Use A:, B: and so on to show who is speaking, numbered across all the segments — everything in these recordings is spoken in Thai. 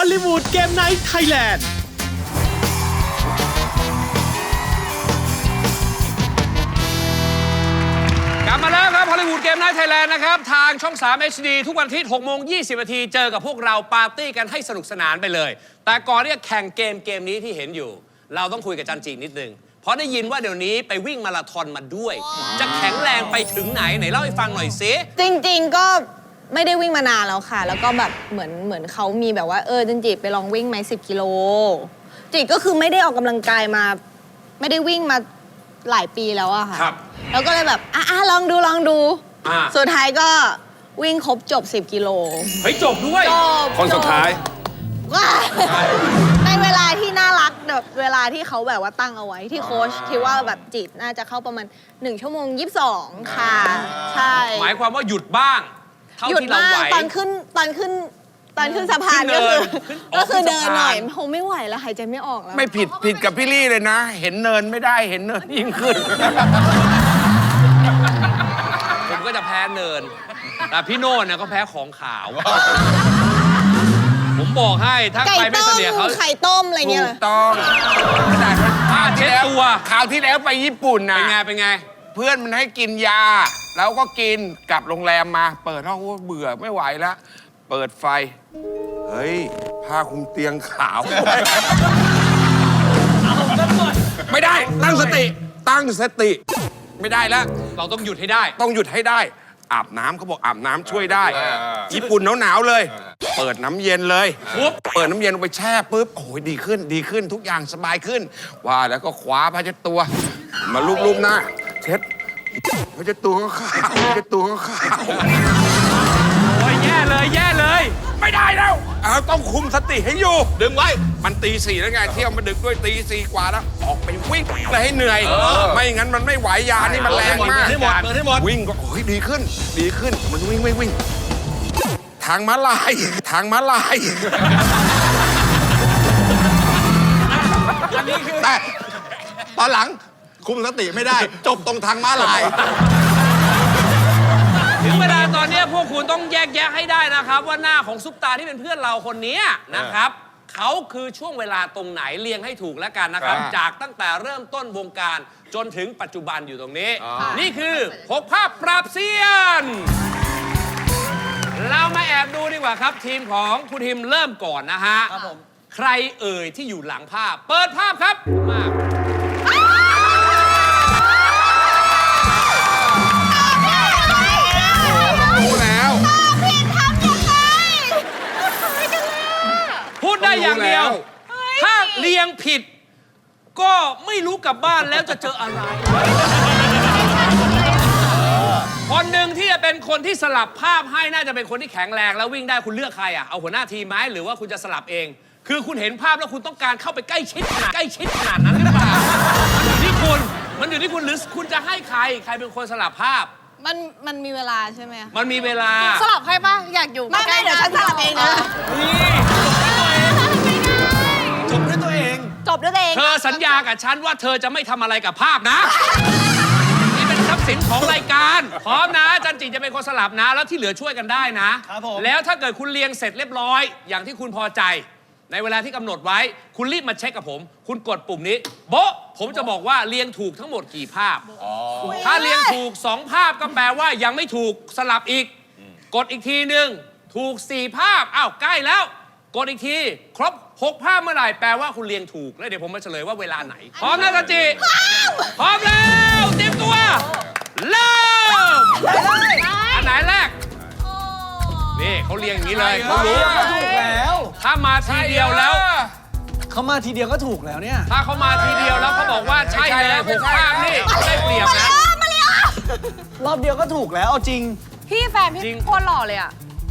A: อลลีวูดเกมไนท์ไทยแลนด์
B: กลับมาแล้วครับฮอลลีวูดเกมไนท์ไทยแลนด์นะครับทางช่อง 3 HD ทุกวันอาทิตย์ 6:20 น.เจอกับพวกเราปาร์ตี้กันให้สนุกสนานไปเลย แต่ก่อนที่จะแข่งเกมนี้ที่เห็นอยู่ เราต้องคุยกับจันจีนิดนึงเพราะได้ยินว่าเดี๋ยวนี้ไปวิ่งมาราธอนมาด้วย จะแข็งแรงไปถึงไหนเล่าให้ฟังหน่อยสิ
C: จริงๆก็ไม่ได้วิ่งมานานแล้วค่ะ แล้วก็แบบเหมือนเขามีแบบว่าจันจิไปลองวิ่งไหม10 กิโลจิก็คือไม่ได้ออกกำลังกายมาไม่ได้วิ่งมาหลายปีแล้วอะค่ะ
B: ครับ
C: แล้วก็เลยแบบลองดูสุดท้ายก็วิ่งครบจบ10 กิโล
B: เฮ้ยจบด้วย
C: จบ
D: คนสุดท้าย
C: ว้ายในเวลาที่น่ารักแบบเวลาที่เขาแบบว่าตั้งเอาไว้ที่โค้ชคิดว่าแบบจิตน่าจะเข้าประมาณ1 ชั่วโมง 22 ค่ะ ใช่
B: หมายความว่าหยุดบ้างเท่า
C: หยุด
B: ที่เรา
C: บ้าง
B: ไหว
C: ตอนขึ้นสะพาน
B: ขึ้
C: ก็
B: นเนิ
C: คื
B: น
C: อ
B: ขึ้น
C: ก็คือ
B: ขึ้น
C: เดินหน่อย
B: สะพาน
C: คงไม่ไหวแล้วหายใจไม่ออกแล้ว
D: ไม่ผิดกับพี่ลี่เลยนะ เห็นเนินไม่ได้เห็นเนินยิ่งขึ้น
B: ผมก็จะแพ้เนิน แต่พี่โน่นเนี่ยก็แพ้ของขาว ผมบอกให้ถ้า
C: ไก่
B: ใครไม่
C: ต้
B: เส
C: ม
B: นียเขา
C: ไข่ต้มอะไร
D: ถู
C: เงี้ย
D: กต้องขนาด
B: ผ้าเช็ดตัว
D: คราวที่แล้วไปญี่ปุ่นนะ
B: เป็นไง
D: เพื่อนมันให้กินยา แล้วก็กินกลับโรงแรมมา เปิดห้องโอ้เบื่อไม่ไหวแล้ว เปิดไฟ เฮ้ยผ้าคลุมเตียงขาว ไม่ได้ตั้งสติ ไม่ได้แล้ว
B: เราต้องหยุดให้ได้
D: ต้องหยุดให้ได้ อาบน้ำเขาบอกอาบน้ำช่วยได้ ญี่ปุ่นหนาวๆเลย เปิดน้ำเย็นเลย
B: ปุ๊บ
D: เปิดน้ำเย็นลงไปแช่ปุ๊บโอ้ยดีขึ้นทุกอย่างสบายขึ้น ว่าแล้วก็คว้าผ้าเช็ดตัว มาลูบๆหน้า เช็ดผ้าเช็ดตัวก็ขาวผ้าเช็ดตัวก็ขาว
B: โอ้ยแย่เลย
D: ไม่ได้แล้วต้องคุมสติให้อยู่ ดึงไว้ มันตี 4แล้วไงเที่ยวมาดึกด้วยตี 4 กว่าแล้วออกไปวิ่งเลยให้เหนื่อย ไม่งั้นมันไม่ไหวยานี่มันแรงมาก
B: เปิดให้หมด
D: วิ่งก็โอ้ยดีขึ้นมันวิ่งทางม้าลายแต่ตอนหลังคุมสติไม่ได้ จบตรงทางม้าลาย
B: ถึงเวลาตอนนี้พวกคุณต้องแยกแยะให้ได้นะครับ ว่าหน้าของซุปตาที่เป็นเพื่อนเราคนนี้นะครับเขาคือช่วงเวลาตรงไหนเรียงให้ถูกแล้วกันนะครับ จากตั้งแต่เริ่มต้นวงการจนถึงปัจจุบันอยู่ตรงนี้ นี่คือ6 ภาพปราบเซียน เรามาแอบดูดีกว่าครับ ทีมของคุณทิมเริ่มก่อนนะฮะใครเอ่ยที่อยู่หลังภาพ เปิดภาพครับมาก
D: รู้แล้ว
B: พูดได้อย่างเดียว ถ้าเรียงผิด ก็ไม่รู้กลับบ้านแล้วจะเจออะไร คนหนึ่งที่จะเป็นคนที่สลับภาพให้น่าจะเป็นคนที่แข็งแรงแล้ววิ่งได้คุณเลือกใครอ่ะเอาหัวหน้าทีมไหมหรือว่าคุณจะสลับเอง คือคุณเห็นภาพแล้วคุณต้องการเข้าไปใกล้ชิดขนาดนั้นหรือเปล่ามันอยู่ที่คุณหรือคุณจะให้ใครเป็นคนสลับภาพ
C: มันมีเวลาใช่ไหมคะ
B: มันมีเวลา
C: สลับให้ป่ะอยากอยู่ไม่เดี๋ยวฉันสลับเองนะ
A: จบด้วยตัวเอง
C: จบด้วยตัวเอง
B: เธอสัญญากับฉันว่าเธอจะไม่ทำอะไรกับภาพนะ นี่เป็นทรัพย์สินของรายการพร้อมนะจันจิจะเป็นคนสลับนะ แล้วที่เหลือช่วยกันได้นะครับ
A: ผม
B: แล้วถ้าเกิดคุณเรียงเสร็จเรียบร้อย อย่างที่คุณพอใจ ในเวลาที่กำหนดไว้ คุณรีบมาเช็คกับผม คุณกดปุ่มนี้โบ๊ะผมจะบอกว่าเรียงถูกทั้งหมดกี่ภาพ ถ้าเรียงถูก 2 ภาพก็แปลว่ายังไม่ถูกสลับอีก กดอีกทีหนึ่งถูก 4 ภาพอ้าวใกล้แล้ว กดอีกที ครบ 6 ภาพเมื่อไหร่แปลว่าคุณเรียงถูกแล้วเดี๋ยวผมมาเฉลยว่าเวลาไหน พร้อมนะจันจิพร้อมแล้วเตรียมตัวเริ่มอันไหนแรกนี่เขาเรียงอย่างนี้เลยเขารู้
A: ถูกแล้ว
B: ถ้ามาทีเดียวแล้ว
A: เขามาทีเดียวก็ถูกแล้วเนี่ย
B: ถ้าเขามาทีเดียวแล้วเขาบอกว่าใช่เลย6 ภาพนี่ได้เปรียบนะ
A: รอบเดียวก็ถูกแล้วเอาจริง
C: พี่แฟนพี่
B: จริง
C: โคตรหล่อเลยอ่ะ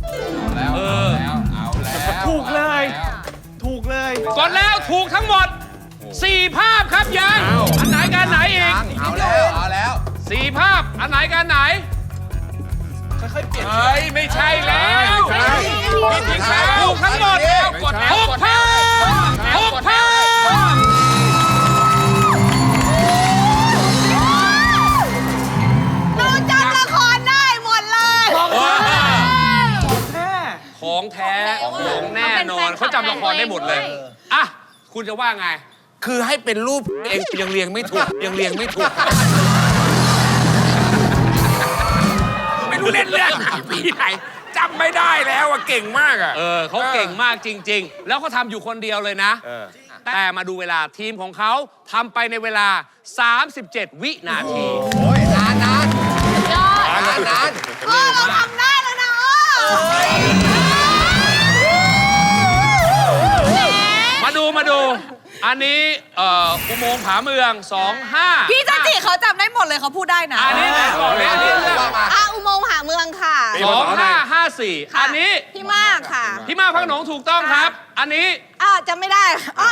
A: ถูกเลย ถูกเลย
B: กดแล้วถูกทั้งหมด 4 ภาพครับยังอันไหนกันไหนอีก
D: เอาแล้ว
B: 4 ภาพอันไหนกันไหน
A: ค่อยๆเปลี่ยน
B: เฮ้ยไม่ใช่แล้วถูกทั้งหมด6 ภาพ6 ภาพ
C: หนูจำละครได้หมดเลย
A: แท้
B: ของแท้ของแน่นอนเขาจำละครได้หมดเลยอ่ะคุณจะว่าไง
D: คือให้เป็นรูปเองยังเรียงไม่ถูกยังเรียงไม่ถูกไม่รู้เล่นเรื่องปีไหนจำไม่ได้แล้วอะเก่งมากอะ
B: เขาเก่งมากจริง ๆ แล้วเขาทำอยู่คนเดียวเลยนะ แต่มาดูเวลาทีมของเขาทำไปในเวลา 37 วินาที
C: ยอด
D: นาน
C: เราทำได้แล้วนะ
B: มาดู อันนี้อุโมงค์ผาเมือง 25
E: พี่จันจิเขาจำได้หมดเลยเขาพูดได้นะ
B: อันนี้นะบอกเลยอันนี้เรื่อง
C: อุโมงค์หาเมืองค่ะ
B: 2554 อันนี้
C: พี่มากค่ะ
B: พี่มาพักหนงถูกต้องครับ อันนี้
C: จำไม่ได้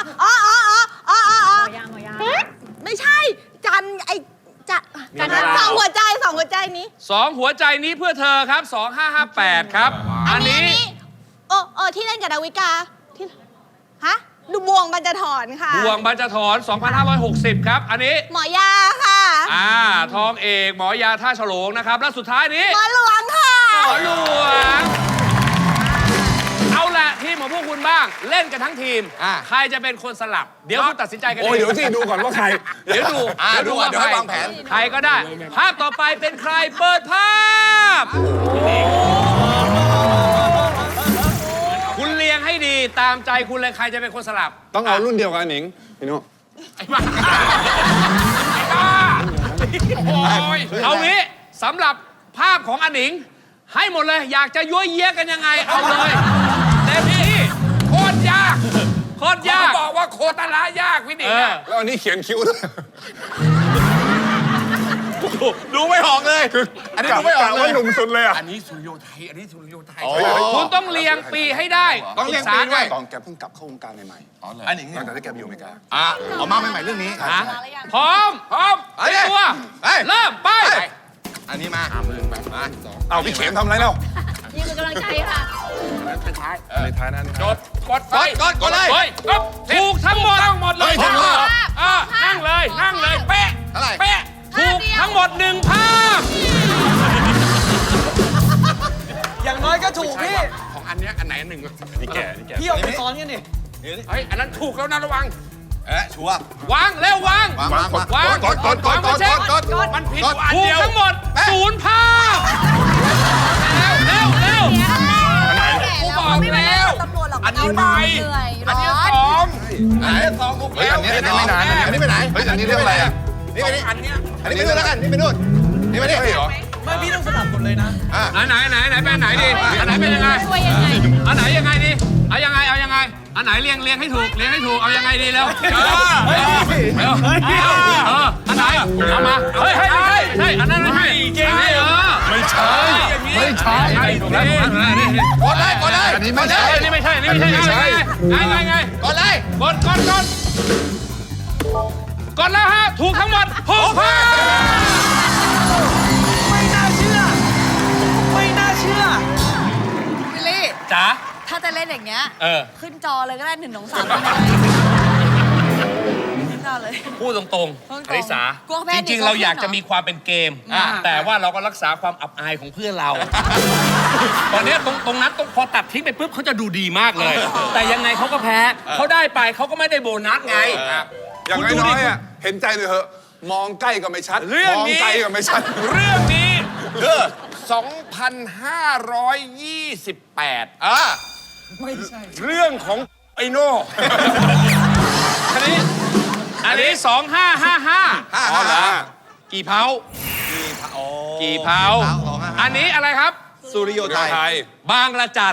C: ไม่ใช่ จันไอจันสองหัวใจนี้
B: 2 หัวใจนี้เพื่อเธอครับ 2558 ครับ อันนี้
C: ที่เล่นกับดาวิกาที่ฮะดูบวงบรรจถอนค่ะ
B: บวงบรรจถอน 2560 ครับ อันนี้
C: หมอยาค่ะ
B: ทองเอกหมอยาท่าฉลงนะครับ แล้วสุดท้ายนี้
C: หมอหลวงค่ะ
B: หมอหลวง เอาละทีมของพวกคุณบ้าง เล่นกันทั้งทีม ใครจะเป็นคนสลับ เดี๋ยวคุณตัดสินใจกันเอง
F: เดี๋ยวสิดูก่อนว่าใคร
B: เดี๋ยวดู
D: เดี๋ยวให้วางแผน
B: ใครก็ได้ ภาพต่อไปเป็นใครเปิดภาพ คุณเรียงให้ดีตามใจคุณเลยใครจะเป็นคนสลับ
F: ต้องเอารุ่นเดียวกันหนิงพี่นุ
B: เอางี้สำหรับภาพของอนิง ให้หมดเลย อยากจะยั่วเยี้ยกันยังไง เอาเลยเต็มที่โคตรยากโคตรยาก
D: บอกว่าโคตรละยากพี่หนิงอะ
F: แล้วอันนี้เขียนคิ้วด้วยดูไม่ออกเลยคืออันนี้ดูไม่ออกว่าหนุ่มสุดเลยอ่ะ
D: อันนี้สุริโยไทยอันนี้สุริโยไทย
B: คุณต้องเรียงปีให้ได้
D: ต้องเรียงปีด้วย
F: ตอนแกเพิ่งกลับเข้าวงการใหม่ๆอันนี้ตอนที่แกไปอยู่อเมริกา
D: ออกมาใหม่ๆเรื่องนี้
B: ฮะพร้อมเตรียมตัว เริ่มไป
D: อันนี้มามือแบบมา
F: เอาพี่เข็มทำอะไรแล้ว
C: ยืนเป็นกำลังใจค่ะ
F: ในท้ายนั้น
B: จดกดไป
D: กดเลย
B: ฮ้ถูกทั้งหมดเลย
D: ถูกทั้งหมด
B: นั่งเลยเป๊ะ
D: เท่าไหร่
B: เป๊ะถูกทั้งหมด1 ภาพ
A: อย่างน้อยก็ถูกพี่
D: ของอันเนี้ยอันไหนอันหนึ่ง
F: นี่แก
A: พี่เอาไปซ้อนกันดิ
B: เฮ้ยอันนั้นถูกแล้วนะระวัง
D: ชัวร์
B: วางเร็ววาง
D: วาง
B: กดมันผิดอันเดียวถูกทั้งหมด0 ภาพเร็วกูบอกแล้ว
E: ตำรวจหรอก
B: อันนี้ไป
E: เหนื่อย
B: อันนี้
E: ร้อน
B: 2อันนี้2ถูก
F: เฮ้ย
B: แล้ว
F: อันนี้ไม่นานอันนี้ไปไหนเฮ้ยอันนี้เรื่องอะไรอ่ะ
D: นี่ไปนี่
B: อันเนี้ย
D: อันนี้ไปนู่นแล้วกัน นี่ไปนู่น นี่ไปนี่
F: เฮ้ยเหรอ
A: ไม่พี่ต้องสลับหมดเลยนะ
B: ไหนเป็นไหนดีอันไหนเป็นยังไง
C: ช่วยยังไง
B: อันไหนยังไงดีเอายังไงอันไหนเรียงให้ถูกเอายังไงดีแล้วอันไหนเอามาเฮ้ยใช่อันนั้นไม่ใช่เก่งเลยไม่ใช่ถูกแล้ว
D: กดเลย
F: อันนี้ไม่ใช่
B: นี่ไม่ใช่ไงกดเลยกดแล้วฮะถูกทั้งหมด6 ภาพ
A: ไม่น่าเชื่อ
E: วิลลี่
B: จ๋า
E: ถ้าจะเล่นอย่างเงี้ย ขึ้นจอเลยก็ได้1 2 3ขึ้นจอเลย
B: พูดตรงๆอริสา
E: กลัวแพ้
B: จริงๆ เราอยากจะมีความเป็นเกม แต่ว่าเราก็รักษาความอับอายของเพื่อนเรา ตอนนี้ตรงนั้นพอตัดทิ้งไปปุ๊บเขาจะดูดีมากเลย แต่ยังไงเขาก็แพ้เขาได้ไปเขาก็ไม่ได้โบนัสไง
F: อย่าง
B: คุณดู
F: น้
B: ดิ
F: อยๆอ่ะเห็นใจเลยเหอะมองใกล้ก็ไม่ชัด
B: เรื่อง
F: มอง
B: นี้
F: ไกลก็ไม่ชัด
B: เรื่องนี้
D: 2,528
A: ไม่ใช่
F: เรื่องของไอโน่
B: อันนี้2555กี่เผากี่เผาอันนี้อะไรครับ
D: สุริโยไทย
B: บางละจัน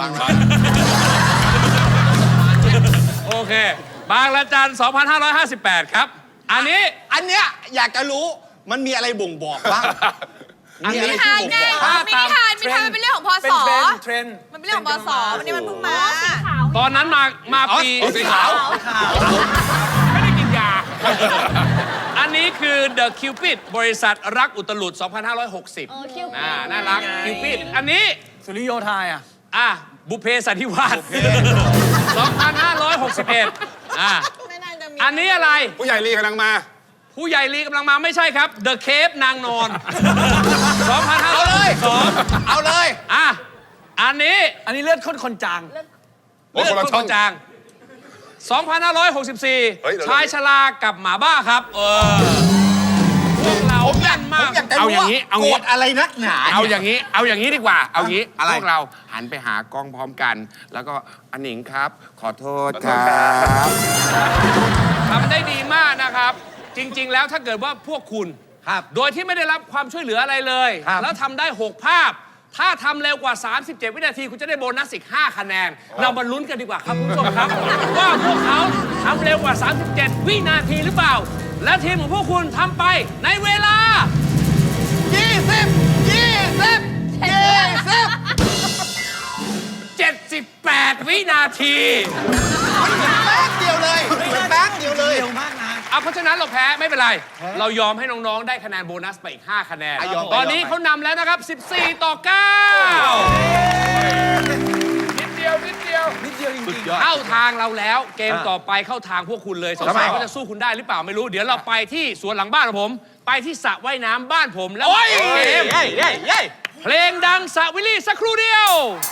B: โอเค บางละจัน 2558 ครับ อันนี้
A: อันเนี้ยอยากจะรู้มันมีอะไรบ่งบอกบ้าง
B: อันนี้
E: มินิฮานไงมินิฮานมันเป็นเรื่องของพศ
A: เทรนด์
E: มันเป็นเรื่องของพศวันนี้มันเพิ่งมา
B: ตอนนั้นมาปี
F: สีขาว
B: ไม่ได้กินยา อันนี้คือ The Cupid บริษัทรักอุตลุด 2560 น่ารัก Cupid อันนี้
A: สุริโยไทยอ่ะ
B: บุพเพสันนิวาส 2561
C: ไม่น่าจะมี
B: อันนี้อะไร
F: ผู้ใหญ่ลีกำลังมา
B: ผู้ใหญ่ลีกำลังมาไม่ใช่ครับ The Cave นางนอน 2562
D: เอาเลย
B: อันนี้
A: อันนี้เลือดข้นคนจาง
F: โอ้คนละช่อง
B: จาง 2564 ชายชรากับหมาบ้าครับ พวกเราแม่นมาก
A: อยากจะ
D: เอา
A: รู้
D: อย่าง
A: ว่า
D: นี้เอา
A: โกร
D: งี้
A: ธอะไรนักหนา
D: เอา
A: นี่ย
D: อย่างนี้ดีกว่า เอางี้
A: อะไร
D: พวกเราหันไปหากล้องพร้อมกัน แล้วก็อันหนิงครับ ขอโทษครับ
B: ทำได้ดีมากนะครับ จริง ๆ แล้วถ้าเกิดว่าพวกคุณ
A: ครับ
B: โดยที่ไม่ได้รับความช่วยเหลืออะไรเลย
A: ครับ
B: แล้วทำได้ 6 ภาพ ถ้าทำเร็วกว่า 37 วินาที คุณจะได้โบนัสอีก 5 คะแนน เรามาลุ้นกันดีกว่าครับคุณผู้ชมครับ ว่าพวกเขาทำเร็วกว่า 37 วินาทีหรือเปล่า และทีมของพวกคุณทำไปในเวลา 78 วินาที
A: แป๊บเดียวเลยแป๊บเดียวเลยเร็วมากนะ
B: เอาเพราะฉะนั้นเราแพ้ไม่เป็นไร เรายอมให้น้องๆ ได้คะแนนโบนัสไปอีก 5 คะแนน
A: ยอมไป
B: ตอนนี้
A: ยอมไป
B: เขานำแล้วนะครับ 14 ต่อ 9
D: นิดเดียว
A: นิดเดียวจริงๆ
B: เข้าทางเราแล้ว เกมต่อไปเข้าทางพวกคุณเลยสงสัยเขาจะสู้คุณได้หรือเปล่าไม่รู้ เดี๋ยวเราไปที่สวนหลังบ้านของผม ไปที่สระว่ายน้ำบ้านผมแล้วมาเกมเพลงดังสระวิลลี่สักครู่เดียว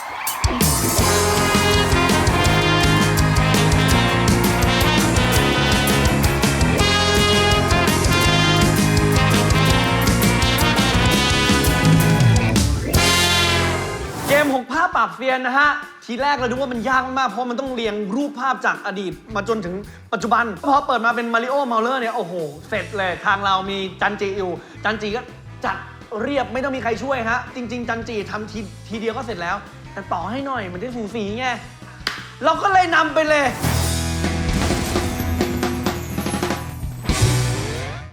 G: เกม6ภาพปราบเซียนนะฮะ ทีแรกเราดูว่ามันยากมากๆ เพราะมันต้องเรียงรูปภาพจากอดีตมาจนถึงปัจจุบัน พอเปิดมาเป็นมาริโอเมาเลอร์เนี่ย โอ้โห เสร็จเลย ทางเรามีจันจีอยู่ จันจีก็จัดเรียบไม่ต้องมีใครช่วยฮะ จริง ๆ จันจีทำทีเดียวก็เสร็จแล้ว แต่ต่อให้หน่อยมันได้สูสีไง เราก็เลยนำไปเลย